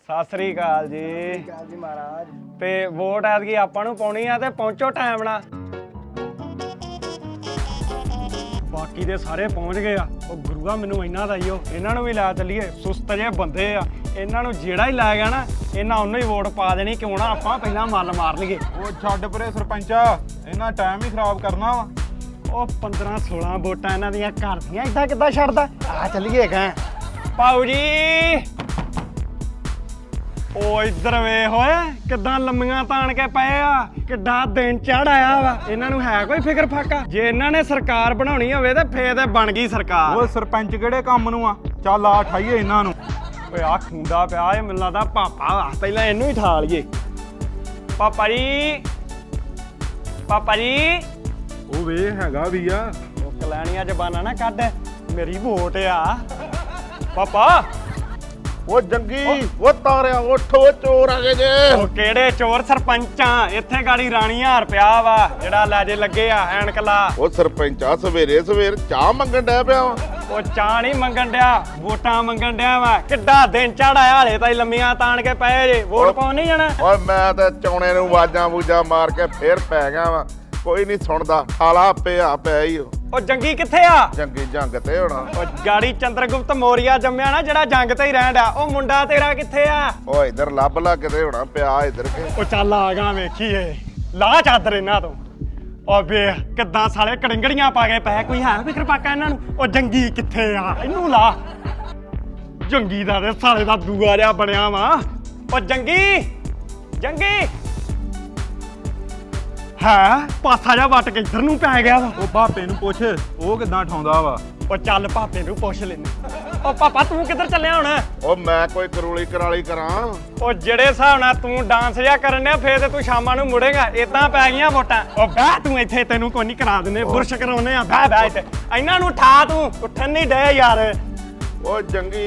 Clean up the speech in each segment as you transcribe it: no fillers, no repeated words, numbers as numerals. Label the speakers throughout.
Speaker 1: ਸਤਿ ਸ੍ਰੀ ਅਕਾਲ ਜੀ।
Speaker 2: ਜੀ ਮਹਾਰਾਜ।
Speaker 1: ਤੇ ਵੋਟ ਐਤਕੀ ਆਪਾਂ ਨੂੰ ਪਾਉਣੀ ਆ ਤੇ ਪਹੁੰਚੋ ਟਾਈਮ ਨਾਲ। ਬਾਕੀ ਦੇ ਸਾਰੇ ਪਹੁੰਚ ਗਏ ਆ। ਉਹ ਗੁਰੂਆ ਮੈਨੂੰ ਇਹਨਾਂ ਦਾ ਹੀ ਇਹਨਾਂ ਨੂੰ ਵੀ ਲੈ ਚੱਲੀਏ। ਸੁਸਤ ਜਿਹੇ ਬੰਦੇ ਆ, ਇਹਨਾਂ ਨੂੰ ਜਿਹੜਾ ਹੀ ਲੈ ਗਿਆ ਨਾ ਇਹਨਾਂ ਉਹਨੂੰ ਹੀ ਵੋਟ ਪਾ ਦੇਣੀ। ਕਿਉਂ ਨਾ ਆਪਾਂ ਪਹਿਲਾਂ ਮੱਲ ਮਾਰ ਲਈਏ।
Speaker 3: ਉਹ ਛੱਡ ਪਰੇ ਸਰਪੰਚਾ, ਇਹਨਾਂ ਟਾਈਮ ਹੀ ਖਰਾਬ ਕਰਨਾ ਵਾ।
Speaker 1: ਉਹ 15-16 ਵੋਟਾਂ ਇਹਨਾਂ ਦੀਆਂ ਘਰ ਦੀਆਂ ਏਦਾਂ ਕਿੱਦਾਂ ਛੱਡਦਾ। ਆ ਚੱਲੀਏ ਕਾਂ ਪਾਉ ਜੀ। ਉਹ ਇੱਧਰ ਵੇ ਹੋਏ ਕਿੱਦਾਂ ਲੰਮੀਆਂ ਤਾਣ ਕੇ ਪਏ ਆ। ਕਿੱਡਾ ਦਿਨ ਚੜ ਆਇਆ ਵਾ। ਇਹਨਾਂ ਨੂੰ ਹੈ ਕੋਈ ਫਿਕਰ ਫਾਕਾ? ਜੇ ਇਹਨਾਂ ਨੇ ਸਰਕਾਰ ਬਣਾਉਣੀ ਹੋਵੇ ਤੇ ਫੇਰ ਤੇ ਬਣ ਗਈ ਸਰਕਾਰ।
Speaker 3: ਉਹ ਸਰਪੰਚ ਕਿਹੜੇ ਕੰਮ ਨੂੰ ਆ? ਚੱਲ ਆ ਠਾਈਏ ਇਹਨਾਂ ਨੂੰ।
Speaker 1: ਓਏ ਆ ਖੁੰਡਾ ਪਿਆ ਇਹ ਮੈਨੂੰ ਲੱਗਦਾ ਪਾਪਾ ਵਾ। ਪਹਿਲਾਂ ਇਹਨੂੰ ਹੀ ਠਾ ਲਈਏ। ਪਾਪਾ ਜੀ, ਪਾਪਾ ਜੀ।
Speaker 3: ਉਹ ਵੇ ਹੈਗਾ ਵੀ ਆ।
Speaker 1: ਉਹ ਕਲੈਣੀਆਂ ਜ਼ਬਾਨਾਂ ਨਾ ਕੱਢ, ਮੇਰੀ ਵੋਟ ਆ ਪਾਪਾ।
Speaker 4: ਉਹ ਜੰਗੀ ਉਹ ਤਾਰਿਆ ਉੱਠ, ਉਹ ਚੋਰ ਆ ਗਏ ਜੇ।
Speaker 1: ਉਹ ਕਿਹੜੇ ਚੋਰ? ਸਰਪੰਚਾਂ ਇੱਥੇ ਗਾੜੀ ਰਾਣੀ ਹਾਰ ਪਿਆ ਵਾ ਜਿਹੜਾ ਲੈ ਜੇ ਲੱਗੇ ਆ ਐਨਕ ਲਾ।
Speaker 4: ਉਹ ਸਰਪੰਚਾ ਸਵੇਰੇ ਸਵੇਰ ਚਾਹ ਮੰਗਣ ਡਿਆ ਪਿਆ ਵਾ।
Speaker 1: ਉਹ ਚਾਹ ਨਹੀਂ ਮੰਗਣ ਡਿਆ, ਵੋਟਾਂ ਮੰਗਣ ਡਿਆ ਵਾ। ਕਿੱਡਾ ਦਿਨ ਚੜਾਇਆ ਹਾਲੇ ਤਾਈ ਲੰਮੀਆਂ ਤਾਣ ਕੇ ਪਏ ਜੇ। ਵੋਟ ਪਾਉਣ ਨਹੀਂ ਜਾਣਾ?
Speaker 4: ਓਏ ਮੈਂ ਤਾਂ ਚੌਣੇ ਨੂੰ ਆਵਾਜ਼ਾਂ ਬੂਜਾਂ ਮਾਰ ਕੇ ਫੇਰ ਪੈ ਗਿਆ ਵਾ। ਕੋਈ ਨਹੀਂ ਸੁਣਦਾ, ਹਾਲਾ ਪਿਆ ਹੀ।
Speaker 1: ਉਹ ਜੰਗੀ ਕਿੱਥੇ ਆ?
Speaker 4: ਜੰਗੀ ਜੰਗ ਤੇ ਹੋਣਾ।
Speaker 1: ਉਹ ਗਾੜੀ ਚੰਦਰਗੁਪਤ ਮੌਰੀਆ ਜੰਮਿਆ ਨਾ ਜਿਹੜਾ ਜੰਗ ਤੇ ਹੀ ਰਹਿਣ ਡਿਆ। ਉਹ ਮੁੰਡਾ ਤੇਰਾ ਕਿੱਥੇ ਆ?
Speaker 4: ਉਹ ਇਧਰ ਲੱਭ ਲਾ ਕਿਤੇ ਹੋਣਾ ਪਿਆ ਇਧਰ ਕੇ।
Speaker 1: ਉਹ ਚੱਲ ਆ ਗਾ ਵੇਖੀਏ। ਲਾ ਚਾਦਰ ਇਹਨਾਂ ਤੋਂ। ਉਹ ਵੇਖ ਕਿੱਦਾਂ ਸਾਲੇ ਕੜਿੰਗੜੀਆਂ ਪਾ ਕੇ ਪਏ। ਕੋਈ ਹੈ ਫਿਕਰ ਪਾਕਾ ਇਹਨਾਂ ਨੂੰ? ਉਹ ਜੰਗੀ ਕਿੱਥੇ ਆ? ਇਹਨੂੰ ਲਾ। ਜੰਗੀ ਦਾ ਤੇ ਸਾਲੇ ਦਾ ਦੂਆ ਜਿਹਾ ਬਣਿਆ ਵਾ। ਉਹ ਜੰਗੀ, ਜੰਗੀ ਹੈ ਪਾਸਾ ਜਿਹਾ ਵੱਟ ਕੇ ਇੱਧਰ ਨੂੰ ਪੈ ਗਿਆ ਵਾ।
Speaker 3: ਉਹ ਭਾਪੇ ਨੂੰ ਪੁੱਛ, ਉਹ ਕਿੱਦਾਂ ਠਾਉਂਦਾ ਵਾ।
Speaker 1: ਉਹ ਚੱਲ ਭਾਪੇ ਨੂੰ ਪੁੱਛ ਲੈਨੇ। ਉਹ ਪਾਪਾ ਤੂੰ ਕਿੱਧਰ ਚੱਲਿਆ ਹੁਣ?
Speaker 4: ਉਹ ਮੈਂ ਕੋਈ ਕਰੂਲੀ ਕਰਾਲੀ ਕਰਾਂ।
Speaker 1: ਉਹ ਜਿਹੜੇ ਹਿਸਾਬ ਨਾਲ ਤੂੰ ਡਾਂਸ ਜਿਹਾ ਕਰਨ ਡਿਆ ਫੇਰ ਤੇ ਤੂੰ ਸ਼ਾਮਾਂ ਨੂੰ ਮੁੜੇਗਾ। ਏਦਾਂ ਪੈ ਗਈਆਂ ਵੋਟਾਂ। ਉਹ ਬਹਿ ਤੂੰ ਇੱਥੇ, ਤੈਨੂੰ ਕੋਈ ਨਹੀਂ ਕਰਾ ਦਿੰਦੇ। ਬੁਰਸ਼ ਕਰਾਉਨੇ ਆ। ਬਹਿ ਇੱਥੇ। ਇਹਨਾਂ ਨੂੰ ਠਾ ਤੂੰ। ਉੱਠਣ ਨਹੀਂ ਡੇ ਯਾਰ।
Speaker 4: ਉਹ ਜੰਗੀ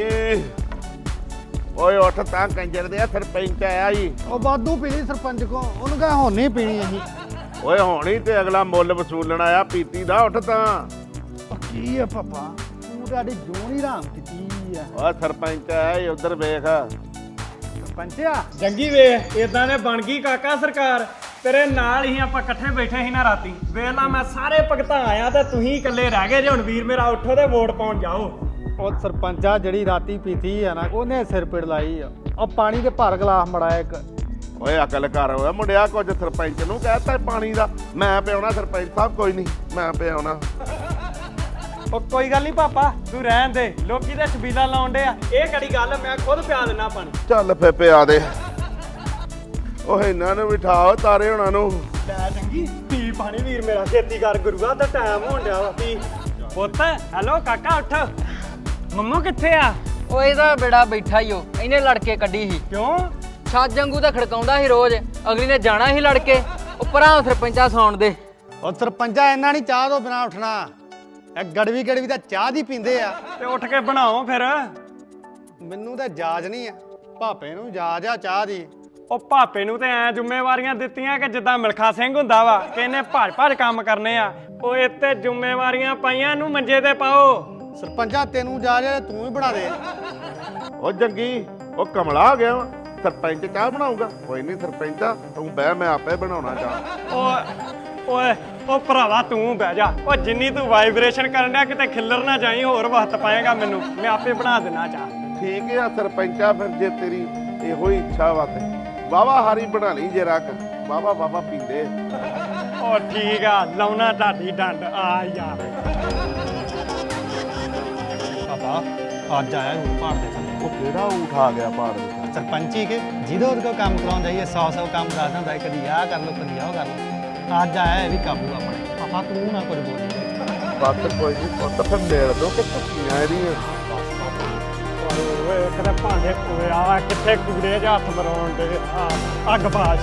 Speaker 4: ਓਏ ਉੱਠ ਤਾਂ ਕੰਜਰ ਦੇ ਸਰਪੰਚ ਆਇਆ ਜੀ।
Speaker 2: ਉਹ ਵਾਧੂ ਪੀਣੀ ਸਰਪੰਚ ਕੋ, ਉਹਨੂੰ ਕਹੇ ਹੁਣ ਨਹੀਂ ਪੀਣੀ ਅਸੀਂ।
Speaker 4: ਓਏ ਹੋਣੀ ਤੇ ਅਗਲਾ ਮੁੱਲ ਵਸੂਲਣ ਆਇਆ ਪੀਤੀ ਦਾ। ਉੱਠ ਤਾਂ।
Speaker 2: ਉਹ ਕੀ ਆ ਪਾਪਾ, ਤੂੰ ਤੁਹਾਡੀ ਜੂਨ ਹੀ ਰਾਮ ਕੀਤੀ ਆ।
Speaker 4: ਓ ਸਰਪੰਚ ਆਇਆ ਉਧਰ ਵੇਖ।
Speaker 2: ਸਰਪੰਚ ਆ
Speaker 1: ਜੰਗੀ ਵੇ ਏਦਾਂ ਨੇ ਬਣ ਗਈ ਕਾਕਾ ਸਰਕਾਰ। ਤੇਰੇ ਨਾਲ ਹੀ ਆਪਾਂ ਇਕੱਠੇ ਬੈਠੇ ਸੀ ਨਾ ਰਾਤੀ। ਵੇਲਾ ਮੈਂ ਸਾਰੇ ਭਗਤਾਂ ਆਇਆ ਤੇ ਤੁਸੀਂ ਇਕੱਲੇ ਰਹਿ ਗਏ ਜੇ। ਹੁਣ ਵੀਰ ਮੇਰਾ ਉੱਠੋ ਤੇ ਵੋਟ ਪਾਉਣ ਜਾਓ।
Speaker 2: ਉਹ ਸਰਪੰਚਾ ਜਿਹੜੀ ਰਾਤੀ ਪੀਤੀ ਆ ਨਾ ਉਹਨੇ ਸਿਰ ਪਿੜ ਲਾਈ ਆ। ਉਹ ਪਾਣੀ ਦੇ ਭਰ ਗਲਾਸ ਮੜਾਇਆ ਇੱਕ।
Speaker 4: ਓਏ ਅਕਲ ਕਰ ਹੋਇਆ ਮੁੰਡਿਆ, ਕੁਝ ਸਰਪੰਚ ਨੂੰ ਕਹਿਤਾ ਪਾਣੀ ਦਾ। ਮੈਂ ਪਿਆਉਣਾ ਸਰਪੰਚ ਸਾਹਿਬ, ਕੋਈ ਨਹੀਂ ਮੈਂ ਪਿਆਉਣਾ।
Speaker 1: ਉਹ ਕੋਈ ਗੱਲ ਨਹੀਂ ਪਾਪਾ, ਤੂੰ ਰਹਿਣ ਦੇ। ਲੋਕੀ ਤੇ ਛਬੀਲਾ ਲਾਉਣ ਡੇ ਆ। ਇਹ ਕਿਹੜੀ ਗੱਲ, ਮੈਂ ਖੁਦ ਪਿਆ ਦਿੰਨਾ ਪਾਣੀ।
Speaker 4: ਚੱਲ ਫੇ ਪਿਆ ਦੇ। ਉਹ ਇਹਨਾਂ ਨੂੰ ਬਿਠਾਓ ਤਾਰੇ ਹੋਣਾ ਨੂੰ।
Speaker 1: ਲੈ ਚੰਗੀ ਪੀ ਪਾਣੀ ਵੀਰ ਮੇਰਾ। ਛੇਤੀ ਕਰ ਗੁਰੂਆ ਤੇ ਟਾਈਮ ਹੋਣ ਡਿਆ ਵਾ। ਪੀ ਪੁੱਤ। ਹੈਲੋ ਕਾਕਾ ਉੱਠ। ਮੰਮੂ ਕਿੱਥੇ ਆ?
Speaker 5: ਉਹ ਇਹਦਾ ਬੇੜਾ ਬੈਠਾ ਹੀ ਉਹ। ਇਹਨੇ ਲੜ ਕੇ ਕੱਢੀ ਸੀ।
Speaker 1: ਕਿਉਂ?
Speaker 5: ਛੱਜ ਵਾਂਗੂ ਤਾਂ ਖੜਕਾਉਂਦਾ ਸੀ ਰੋਜ਼। ਅਗਲੀ ਨੇ ਜਾਣਾ ਸੀ ਲੜ ਕੇ। ਉਹ ਭਰਾ ਸਰਪੰਚਾ ਸੌਣ ਦੇ।
Speaker 2: ਉਹ ਸਰਪੰਚਾ ਇਹਨਾਂ ਨਹੀਂ ਚਾਹ ਤੋਂ ਬਿਨਾ ਉੱਠਣਾ। ਇਹ ਗੜਵੀ ਤਾਂ ਚਾਹ ਦੀ ਪੀਂਦੇ ਆ।
Speaker 1: ਤੇ ਉੱਠ ਕੇ ਬਣਾਓ ਫਿਰ।
Speaker 2: ਮੈਨੂੰ ਤਾਂ ਜਾਜ ਨਹੀਂ ਆ, ਭਾਪੇ ਨੂੰ ਜਾਜ ਆ ਚਾਹ ਦੀ।
Speaker 1: ਉਹ ਭਾਪੇ ਨੂੰ ਤੇ ਐ ਜ਼ਿੰਮੇਵਾਰੀਆਂ ਦਿੱਤੀਆਂ ਕਿ ਜਿੱਦਾਂ ਮਿਲਖਾ ਸਿੰਘ ਹੁੰਦਾ ਵਾ ਕਿ ਇਹਨੇ ਭੱਜ ਕੰਮ ਕਰਨੇ ਆ। ਉਹ ਇੱਥੇ ਜ਼ਿੰਮੇਵਾਰੀਆਂ ਪਾਈਆਂ ਨੂੰ ਮੰਜੇ ਤੇ ਪਾਓ।
Speaker 2: ਸਰਪੰਚਾ ਤੈਨੂੰ ਜਾਜ ਆ, ਤੂੰ ਹੀ ਬਣਾ ਦੇ।
Speaker 4: ਉਹ ਜੰਗੀ ਉਹ ਕਮਲਾ ਆ ਗਿਆ ਵਾ। ਸਰਪੰਚ ਚਾਹ ਬਣਾਊਗਾ? ਕੋਈ ਨਹੀਂ ਸਰਪੰਚਾ ਤੂੰ ਬਹਿ, ਮੈਂ ਆਪੇ ਬਣਾਉਣਾ ਚਾਹ।
Speaker 1: ਓਏ ਉਹ ਭਰਾਵਾ ਤੂੰ ਬਹਿ ਜਾ। ਉਹ ਜਿੰਨੀ ਤੂੰ ਵਾਈਬ੍ਰੇਸ਼ਨ ਕਰਨ ਡਿਆ ਕਿਤੇ ਖਿੱਲਰ ਨਾ ਜਾਈ। ਹੋਰ ਵਕਤ ਪਾਏਗਾ ਮੈਨੂੰ, ਮੈਂ ਆਪੇ ਬਣਾ ਦੇਣਾ ਚਾਹ।
Speaker 4: ਠੀਕ ਆ ਸਰਪੰਚਾ, ਫਿਰ ਜੇ ਤੇਰੀ ਇਹੋ ਹੀ ਇੱਛਾ ਵਾ ਤੇ ਵਾਵਾ ਹਾਰੀ ਬਣਾ ਲਈ ਜੇ ਰੱਖ। ਵਾਵਾ ਪੀਂਦੇ।
Speaker 1: ਉਹ ਠੀਕ ਆ, ਲਾਉਣਾ ਢਾਡੀ ਡੰਡ ਆ ਯਾਰ।
Speaker 2: ਪਾਪਾ ਅੱਜ ਆਇਆ ਹੁਣ ਭਾੜ ਦੇ ਥੱਲੇ।
Speaker 4: ਉਹ ਕਿਹੜਾ ਊਠ ਆ ਗਿਆ ਪਹਾੜ ਦੇ?
Speaker 2: ਸਰਪੰਚੀ ਕੇ ਜਿਹਦੇ ਉਹਦੇ ਕੋਲ ਕੰਮ ਕਰਾਉਣ ਜਾਈਏ 100 ਕੰਮ ਦੱਸਦਾ ਹੁੰਦਾ। ਕਦੀ ਆਹ ਕਰ ਲਓ, ਕਦੀ ਆਹ ਕਰ ਲਓ। ਅੱਜ ਆਇਆ ਇਹ ਵੀ ਕਾਬੂ ਆਪਣੇ। ਪਾਪਾ ਤੂੰ ਨਾ ਕੁਝ ਬੋਲੀ।
Speaker 4: ਬੱਤ ਕੋਈ ਨਹੀਂ ਪੁੱਤ, ਫਿਰ ਮੇਲ ਦੋ ਕਿ ਟੁੱਟੀਆਂ ਇਹਦੀਆਂ।
Speaker 1: ਓਏ ਕਿਤੇ ਭਾਂਡੇ ਪੂਰੇ ਆ ਕਿੱਥੇ ਕੂੜੇ 'ਚ ਹੱਥ ਮਰਾਉਣ ਦੇ। ਅੱਗ ਬਾਸ਼।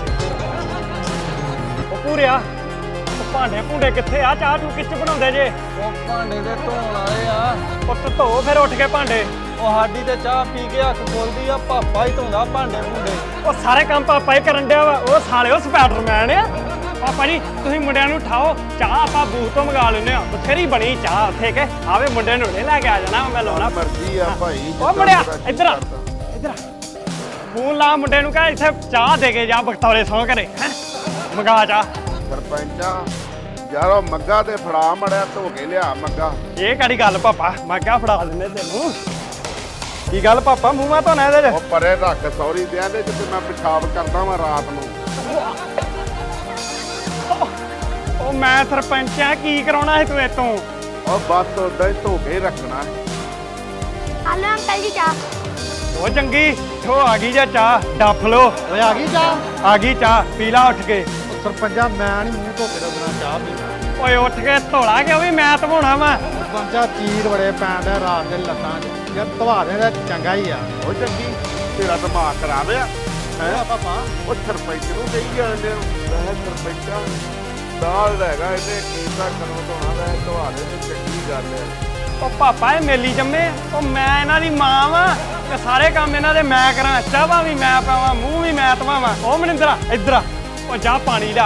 Speaker 1: ਉਹ ਪੂਰਿਆ ਉਹ ਭਾਂਡੇ ਭੁੰਡੇ ਕਿੱਥੇ ਆ? ਚਾਹ ਤੂੰ ਕਿੱਚ ਬਣਾਉਂਦੇ ਜੇ?
Speaker 5: ਉਹ ਭਾਂਡੇ ਦੇ ਧੋਣ ਵਾਲੇ ਆ।
Speaker 1: ਉਹ ਧੋ ਫਿਰ ਉੱਠ ਕੇ ਭਾਂਡੇ।
Speaker 5: ਉਹ ਸਾਡੀ ਤੇ ਚਾਹ ਪੀ ਕੇ ਹੱਥ ਖੋਲਦੀ ਆ। ਪਾਪਾ ਹੀ ਧੋਂਦਾ ਭਾਂਡੇ ਭੁੰਡੇ।
Speaker 1: ਉਹ ਸਾਰੇ ਕੰਮ ਪਾਪਾ ਹੀ ਕਰਨ ਡਿਆ ਵਾ। ਉਹ ਸਾਲਿਓ ਸਪਾਈਡਰਮੈਨ ਆ। ਪਾਪਾ ਜੀ ਤੁਸੀਂ ਮੁੰਡਿਆਂ ਨੂੰ ਉਠਾਓ। ਚਾਹ ਆਪਾਂ ਬੂਥ ਤੋਂ ਮੰਗਾ ਲੈਂਦੇ ਆ। ਬਥੇਰੀ ਬਣੀ ਚਾਹ ਉੱਥੇ ਕੇ। ਆਵੇ ਮੁੰਡੇ ਨੂੰ ਲੈ ਕੇ ਆ ਜਾਣਾ। ਮੈਂ ਲਾਉਣਾ
Speaker 4: ਮਰਜ਼ੀ ਆ ਭਾਈ।
Speaker 1: ਉਹ ਮੁੰਡਿਆ ਇੱਧਰ ਆ, ਇੱਧਰ ਆ। ਫੋਨ ਲਾ ਮੁੰਡੇ ਨੂੰ ਕਹ ਇੱਥੇ ਚਾਹ ਦੇ ਕੇ ਜਾ ਬਖਤੌਰੇ ਸੌਂ ਘਰੇ ਹੈਂ ਮੰਗਾ ਚਾਹ।
Speaker 4: ਸਰਪੰਚਾ ਯਾਰ ਉਹ ਮੱਗਾ ਤੇ ਫੜਾ ਮੜਿਆ ਧੋ ਕੇ ਲਿਆ ਮੱਗਾ।
Speaker 1: ਇਹ ਕਿਹੜੀ ਗੱਲ ਪਾਪਾ ਮੈਂ ਕਿਹਾ ਫੜਾ ਦਿੰਦੇ ਤੈਨੂੰ। ਕੀ ਗੱਲ ਪਾਪਾ ਮੂੰਹ ਮਾ ਧੋਣਾ ਇਹਦੇ ਚ?
Speaker 4: ਉਹ ਪਰੇ ਰੱਖ ਸੌਰੀ ਦੇ ਇਹਦੇ ਚ ਤੇ ਮੈਂ ਪਿਸ਼ਾਬ ਕਰਦਾ ਵਾਂ ਰਾਤ ਨੂੰ।
Speaker 1: ਉਹ ਮੈਂ ਸਰਪੰਚ ਆ ਕੀ ਕਰਾਉਣਾ ਸੀ ਤੂੰ ਇਤੋਂ?
Speaker 4: ਉਹ ਬਸ ਉਦਾਂ ਹੀ ਧੋ ਕੇ ਹੀ ਰੱਖਣਾ।
Speaker 6: ਆਲੂ ਅੰਕਲ ਜੀ ਚਾਹ।
Speaker 1: ਉਹ ਚੰਗੀ ਥੋ ਆ ਗਈ ਜਾਂ ਚਾਹ ਡੱਫ ਲੋ।
Speaker 2: ਓਏ ਆ ਗਈ ਚਾਹ?
Speaker 1: ਆ ਗਈ ਚਾਹ ਪੀ ਲਾ ਉੱਠ ਕੇ।
Speaker 2: ਉਹ ਸਰਪੰਚਾ ਮੈਂ ਨਹੀਂ ਮੂੰਹ ਧੋ ਕੇ ਰੱਖਣਾ ਚਾਹ ਪੀਣਾ।
Speaker 1: ਓਏ ਉੱਠ ਕੇ ਧੋਲਾ ਕਿ ਉਹ ਵੀ ਮੈਂ ਧਵਾਉਣਾ ਵਾ।
Speaker 2: ਸਰਪੰਚਾ ਚੀਰ ਬੜੇ ਪੈਂਦੇ ਰਾਤ ਦੇ ਲੱਤਾਂ 'ਚ ਯਾਰ ਧਵਾ ਦੇ ਤਾਂ ਚੰਗਾ ਹੀ ਆ।
Speaker 4: ਉਹ ਚੰਗੀ ਤੇਰਾ ਦਿਮਾਗ ਖਰਾਬ ਆ
Speaker 2: ਹੈ ਪਾਪਾ
Speaker 4: ਉਹ ਸਰਪੰਚ ਨੂੰ ਕਹੀ ਜਾਂਦੇ ਹੋ ਮੈਂ ਸਰਪੰਚਾ ਦਾਲ ਹੈਗਾ ਇਹਨੇ ਕੀਤਾ ਕਰੋ ਧੋਣਾ ਦਾ ਧਵਾ ਦੇ ਤੇ ਚੰਗੀ ਗੱਲ ਹੈ।
Speaker 1: ਉਹ ਪਾਪਾ ਇਹ ਮੇਲੀ ਜੰਮੇ ਉਹ ਮੈਂ ਇਹਨਾਂ ਦੀ ਮਾਂ ਵਾਂ ਤੇ ਸਾਰੇ ਕੰਮ ਇਹਨਾਂ ਦੇ ਮੈਂ ਕਰਾਂ। ਚਾਹਾਂ ਵੀ ਮੈਂ ਪਾਵਾਂ ਮੂੰਹ ਵੀ ਮੈਂ ਧਵਾਵਾਂ। ਉਹ ਮਨਿੰਦਰਾ ਇੱਧਰ ਆ ਉਹ ਜਾ ਪਾਣੀ ਲਿਆ।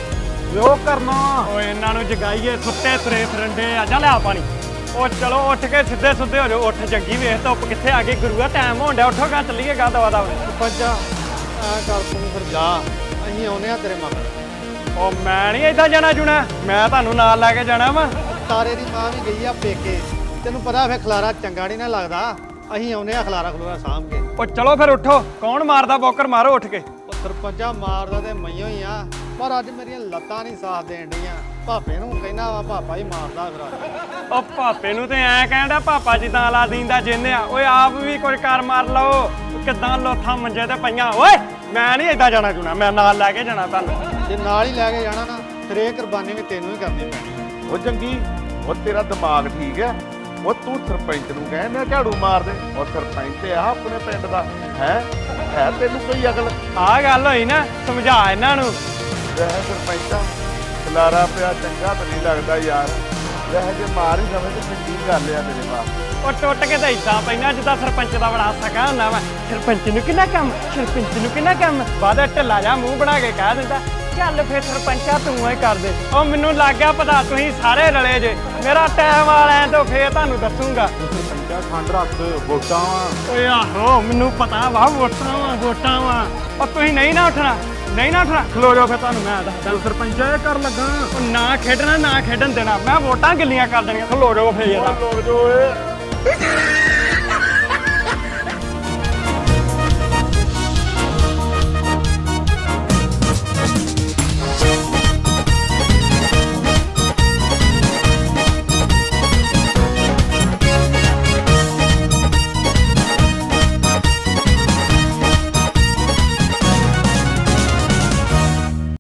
Speaker 3: ਜੋ ਕਰਨਾ
Speaker 1: ਓਏ ਇਹਨਾਂ ਨੂੰ ਜਗਾਈਏ ਸੁੱਤੇ ਤੁਰੇ ਫਿਰੰਡੇ ਆ ਜਾ ਲਿਆ ਪਾਣੀ। ਉਹ ਚਲੋ ਉੱਠ ਕੇ ਸਿੱਧੇ ਸੁੱਧੇ ਹੋ ਜਾਓ। ਉੱਠ ਜੰਗੀ ਵੇਖ ਧੁੱਪ ਕਿੱਥੇ ਆ ਗਈ ਗੁਰੂਆ ਟਾਈਮ ਹੋਣ ਡਿਆ। ਉੱਠੋ ਗਾ ਚੱਲੀਏ ਗਾ ਦਵਾ ਦਵਾ।
Speaker 2: ਸਰਪੰਚਾ ਐ ਕਰ ਤੂੰ ਫਿਰ ਜਾ ਅਸੀਂ ਆਉਨੇ ਆ ਤੇਰੇ ਮਗਰ।
Speaker 1: ਉਹ ਮੈਂ ਨਹੀਂ ਏਦਾਂ ਜਾਣਾ ਜੁਣਾ ਮੈਂ ਤੁਹਾਨੂੰ ਨਾਲ ਲੈ ਕੇ ਜਾਣਾ ਵਾ।
Speaker 2: ਤਾਰੇ ਦੀ ਮਾਂ ਵੀ ਗਈ ਆ ਪੇਕੇ ਤੈਨੂੰ ਪਤਾ ਫੇ ਖਲਾਰਾ ਚੰਗਾ ਨਹੀਂ ਨਾ ਲੱਗਦਾ। ਅਸੀਂ ਆਉਨੇ ਆ ਖਲਾਰਾ ਖਲੂਰਾ ਸਾਂਭ ਕੇ।
Speaker 1: ਉਹ ਚਲੋ ਫਿਰ ਉੱਠੋ ਕੌਣ ਮਾਰਦਾ ਬੋਕਰ ਮਾਰੋ ਉੱਠ ਕੇ।
Speaker 2: ਉਹ ਸਰਪੰਚਾ ਮਾਰਦਾ ਤੇ ਮਈਓ ਹੀ ਆ ਪਰ ਅੱਜ ਮੇਰੀਆਂ ਲੱਤਾਂ ਨਹੀਂ ਸਾਥ ਦੇਣ ਡੀਆਂ। ਭਾਪੇ ਨੂੰ ਕਹਿਣਾ ਵਾ ਪਾਪਾ ਹੀ ਮਾਰਦਾ ਫਿਰ ਅੱਜ।
Speaker 1: ਉਹ ਭਾਪੇ ਨੂੰ ਤੇ ਐ ਕਹਿੰਦਾ ਪਾਪਾ ਜਿੱਦਾਂ ਲਾ ਦਿੰਦਾ ਜਿੰਨੇ ਆ। ਓਏ ਆਪ ਵੀ ਕੋਈ ਕਰ ਮਾਰ ਲਓ ਕਿੱਦਾਂ ਲੋਥਾਂ ਮੰਜੇ ਤੇ ਪਈਆਂ। ਓਏ ਮੈਂ ਨਹੀਂ ਏਦਾਂ ਜਾਣਾ ਜੁਣਾ ਮੈਂ ਨਾਲ ਲੈ ਕੇ ਜਾਣਾ ਤੁਹਾਨੂੰ।
Speaker 2: ਜੇ ਨਾਲ ਹੀ ਲੈ ਕੇ ਜਾਣਾ ਨਾ ਫਿਰ ਇਹ ਕੁਰਬਾਨੀ ਵੀ ਤੈਨੂੰ ਹੀ ਕਰਨੀ ਪੈਣੀ।
Speaker 4: ਉਹ ਚੰਗੀ ਉਹ ਤੇਰਾ ਦਿਮਾਗ ਠੀਕ ਹੈ। ਉਹ ਤੂੰ ਸਰਪੰਚ ਨੂੰ ਕਹਿੰਦਾ ਝਾੜੂ ਮਾਰ ਦੇ। ਉਹ ਸਰਪੰਚ ਆ ਆਪਣੇ ਪਿੰਡ ਦਾ ਹੈ ਤੈਨੂੰ ਕੋਈ ਅਕਲ?
Speaker 1: ਆਹ ਗੱਲ ਹੋਈ ਨਾ ਸਮਝਾ ਇਹਨਾਂ ਨੂੰ।
Speaker 4: ਰਹਿ ਸਰਪੰਚਾ ਖਲਾਰਾ ਪਿਆ ਚੰਗਾ ਤਾਂ ਨਹੀਂ ਲੱਗਦਾ ਯਾਰ। ਰਹਿ ਜੇ ਮਾਰ ਹੀ ਜਾਵੇ ਤੇ ਚੰਗੀ ਗੱਲ ਆ ਤੇਰੇ ਬਾਪ।
Speaker 1: ਉਹ ਟੁੱਟ ਕੇ ਤਾਂ ਇਦਾਂ ਪੈਣਾ ਜਿੱਦਾਂ ਸਰਪੰਚ ਦਾ ਬੜਾ ਸਕਾ ਹੁੰਦਾ ਵਾ। ਸਰਪੰਚ ਨੂੰ ਕਿੰਨਾ ਕੰਮ ਸਰਪੰਚ ਨੂੰ ਕਿੰਨਾ ਕੰਮ ਬਾਅਦ ਢਿੱਲਾ ਜਾ ਮੂੰਹ ਬਣਾ ਕੇ ਕਹਿ ਦਿੰਦਾ ਚੱਲ ਫੇਰ ਸਰਪੰਚਾ ਤੂੰ ਹੀ ਕਰ ਦੇ। ਉਹ ਮੈਨੂੰ ਲੱਗ ਗਿਆ ਪਤਾ ਤੁਸੀਂ ਸਾਰੇ ਰਲੇ ਜੇ। ਮੇਰਾ ਟਾਈਮ ਵਾਲਿਆਂ ਤੋਂ ਫੇਰ ਤੁਹਾਨੂੰ ਦੱਸੂਗਾ।
Speaker 3: ਸਰਪੰਚਾ ਠੰਡ ਰੱਖ ਵੋਟਾਂ ਵਾ।
Speaker 1: ਓਏ ਆਹੋ ਮੈਨੂੰ ਪਤਾ ਵਾ ਵੋਟਾਂ ਵਾ। ਉਹ ਤੁਸੀਂ ਨਹੀਂ ਨਾ ਉੱਠਣਾ ਖਲੋ ਜਾਓ ਫਿਰ ਤੁਹਾਨੂੰ ਮੈਂ ਦੱਸਦਾ।
Speaker 3: ਸਰਪੰਚਾ ਇਹ ਕਰ ਲੱਗਾ
Speaker 1: ਉਹ ਨਾ ਖੇਡਣਾ ਨਾ ਖੇਡਣ ਦੇਣਾ ਮੈਂ ਵੋਟਾਂ ਗਿੱਲੀਆਂ ਕਰ ਦੇਣੀਆਂ। ਖਲੋ ਜਾਓ ਫੇਰ
Speaker 4: ਲੋਕ ਜੋ ਓਏ